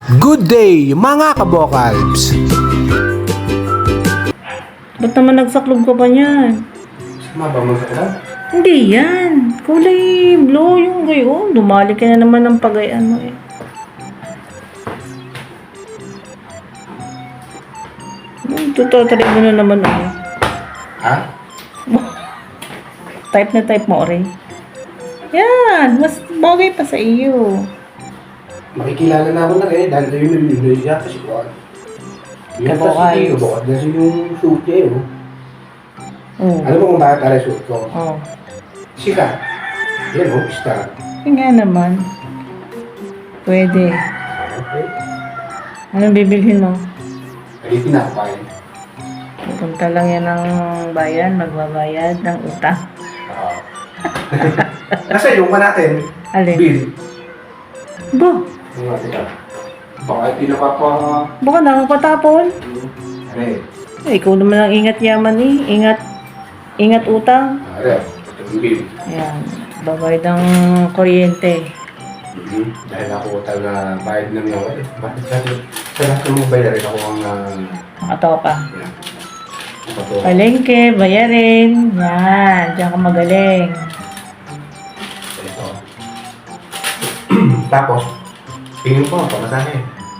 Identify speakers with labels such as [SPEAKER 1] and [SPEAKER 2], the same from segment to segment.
[SPEAKER 1] Good day mga kabokalbs!
[SPEAKER 2] Ba't naman nagsaklog ka pa niyan?
[SPEAKER 1] Sama ba magkakaroon?
[SPEAKER 2] Hindi yan. Kulay blue yung gayon. Dumali ka na naman ng pagayan mo eh. Tututari mo na naman ako.
[SPEAKER 1] Ha?
[SPEAKER 2] Type na type mo rin. Yan. Mas bagay pa sa iyo.
[SPEAKER 1] Makikilala na ako na eh, dahil tayo nalilinoy siya kasi ko. Yan kasi yung bukod kasi yung suit niya yun. Alam mo kung bakit aray suit ko?
[SPEAKER 2] Oo.
[SPEAKER 1] Sika. Yan o, star.
[SPEAKER 2] Yung nga naman. Pwede.
[SPEAKER 1] Okay.
[SPEAKER 2] Anong bibilhin mo?
[SPEAKER 1] Alitin na ako pa yun.
[SPEAKER 2] Pupunta lang yan ng bayan, magbabayad ng utang.
[SPEAKER 1] Nasa yung ka natin,
[SPEAKER 2] Alin?
[SPEAKER 1] bill.
[SPEAKER 2] Ba?
[SPEAKER 1] Yung natin ka. Baka hindi napapa...
[SPEAKER 2] Baka nakakatapon.
[SPEAKER 1] Aray.
[SPEAKER 2] Eh, ikaw naman ang ingat yaman eh. Ingat utang.
[SPEAKER 1] Aray, itong bill.
[SPEAKER 2] Ayan. Babayad ng kuryente.
[SPEAKER 1] Dahil ako talaga bayad ng nawa eh. Bakit sabi? Sa lahat ng mong bayarin ako ang...
[SPEAKER 2] Nakatopa.
[SPEAKER 1] Yan. Ito.
[SPEAKER 2] Palengke, bayarin. Yan. Diyan ka magaling.
[SPEAKER 1] Ito. Tapos, tingin ko ang pamasahe.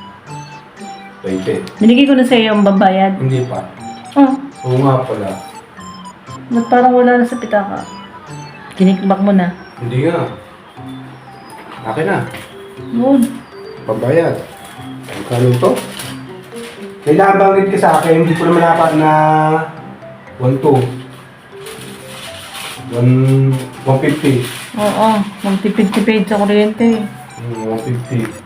[SPEAKER 1] 20.
[SPEAKER 2] Binigay ko na sa iyo ang babayad.
[SPEAKER 1] Hindi pa.
[SPEAKER 2] Oh,
[SPEAKER 1] Oo nga pala.
[SPEAKER 2] ba't parang wala na sa pitaka? Kinikbak mo na.
[SPEAKER 1] Hindi nga. Akin na.
[SPEAKER 2] Good.
[SPEAKER 1] Pambayad. Magkano ito? May nabanggit ka sa akin, hindi ko naman dapat na 1.2. 150.
[SPEAKER 2] Oo, magtipid-tipid sa kuryente.
[SPEAKER 1] 150.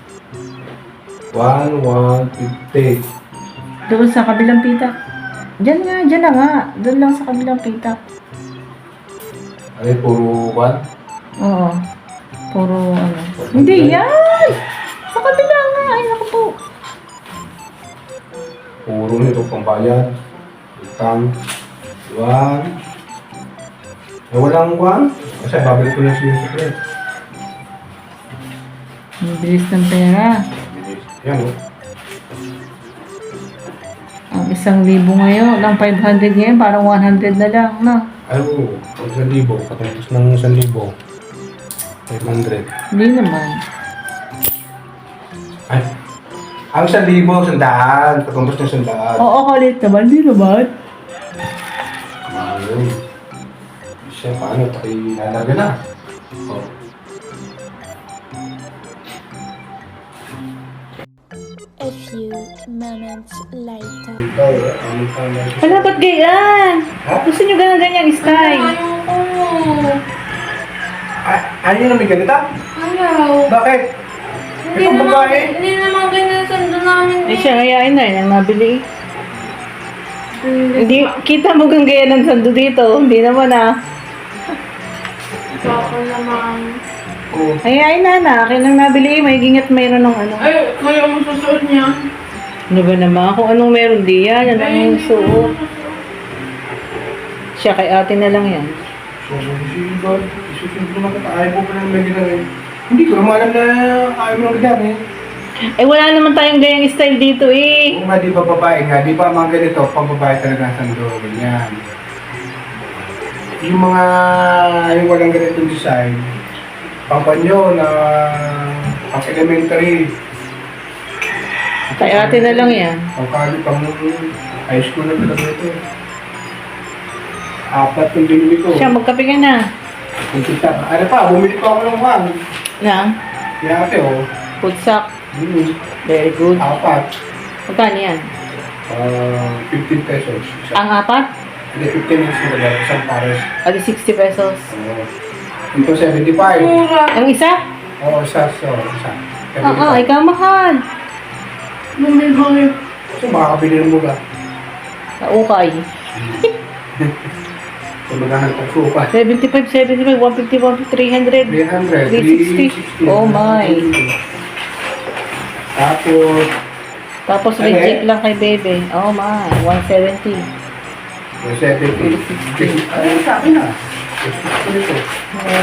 [SPEAKER 1] 150.
[SPEAKER 2] Doon sa kabilang pitak. Diyan na nga. Doon lang sa kabilang pitak.
[SPEAKER 1] Ay, puro 1?
[SPEAKER 2] Oo. Puro ano. Hindi yan! Sa kabila nga. Ay, naku po.
[SPEAKER 1] Puro nito pambayad. Utang. 1. Eh, walang 1. Kasi babalik ko na siya yung secret.
[SPEAKER 2] Ang bilis ng pera.
[SPEAKER 1] Yan o.
[SPEAKER 2] Ang 1,000 ngayon. Ang 500 ngayon. Parang 100 na lang. No?
[SPEAKER 1] Ay, oo. Ang 1,000. Katapos ng 1,000. 500.
[SPEAKER 2] Hindi naman.
[SPEAKER 1] Ay. Ang 1,000, 100. Katapos ng 100.
[SPEAKER 2] Oo, kalit naman. Hindi naman.
[SPEAKER 1] Ayun. Siya, paano? Pakilalaga na. Oh.
[SPEAKER 3] A few moments later.
[SPEAKER 1] Ikaw, ano pa na?
[SPEAKER 2] Wala, ba't ganyan? Gusto nyo ganyan style?
[SPEAKER 1] Ano yung may ganito?
[SPEAKER 4] Ano?
[SPEAKER 1] Bakit?
[SPEAKER 4] Hindi
[SPEAKER 1] Itong
[SPEAKER 4] naman,
[SPEAKER 1] babae?
[SPEAKER 4] hindi naman ganyan sando namin.
[SPEAKER 2] Eh siya, kayain na yun ang nabili. Hindi, kita mo kang gaya ng sando dito. Hindi naman ah.
[SPEAKER 4] Baka naman.
[SPEAKER 1] Oo.
[SPEAKER 2] Kayain na. Akin ang nabili. May gingat mayroon ng ano.
[SPEAKER 4] Ay, kaya mo susuot niya.
[SPEAKER 2] Ano ba naman? Kung anong meron di yan. Yan ang yung suot. Siya, kay ate na lang yan.
[SPEAKER 1] So, isusunod naman kita. Ayaw mo pa lang may ginawin. Hindi ko naman alam na ayaw mo lang ginawin.
[SPEAKER 2] Eh wala naman tayong gayang style dito eh.
[SPEAKER 1] Kung nga di ba babae nga, di ba mga ganito, pang babae talaga ang sando, ganyan. Yung mga, yung walang ganitong design, pang panyo na, pang elementary,
[SPEAKER 2] Kay ate na lang yan.
[SPEAKER 1] pang college, pang high school na talaga ito. 4 yung binili ko.
[SPEAKER 2] Siya, magkape ka na.
[SPEAKER 1] Kung kita, ano pa, bumili pa ako ng one.
[SPEAKER 2] Na?
[SPEAKER 1] Kaya ate, oh.
[SPEAKER 2] Food sack. Very good.
[SPEAKER 1] 4.
[SPEAKER 2] Magkano yan?
[SPEAKER 1] 15 pesos.
[SPEAKER 2] Ang apat?
[SPEAKER 1] Hindi, 15 minutes na lang, isang pares.
[SPEAKER 2] Adi 60 pesos.
[SPEAKER 1] Ito 75.
[SPEAKER 4] Mura.
[SPEAKER 2] Ang isa?
[SPEAKER 1] Oo, isa. Isa.
[SPEAKER 2] Oo, ikaw mahal.
[SPEAKER 4] Bumili kami.
[SPEAKER 1] So, makakabili ng mula.
[SPEAKER 2] Sa ukay.
[SPEAKER 1] So, maghanap ng supa.
[SPEAKER 2] 75, 150, 300.
[SPEAKER 1] 300,
[SPEAKER 2] 360. Oh my.
[SPEAKER 1] Tapos,
[SPEAKER 2] Tapos legit lang kay bebe. Oh my, 170.
[SPEAKER 1] 70. Ay, sa akin na. Gusto nito.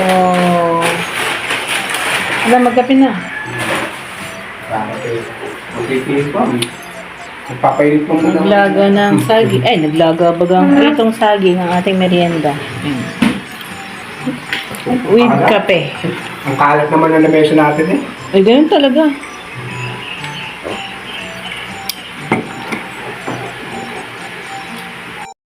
[SPEAKER 2] Oh. Wala, magkape na.
[SPEAKER 1] Bakit eh? Pipilit pa. Nagpapainit pa muna.
[SPEAKER 2] Naglaga ng saging. Ay, naglaga bagang itong saging ang ating merienda. With kape.
[SPEAKER 1] Ang kalat naman ng lamesa natin eh.
[SPEAKER 2] Ay, ganun talaga.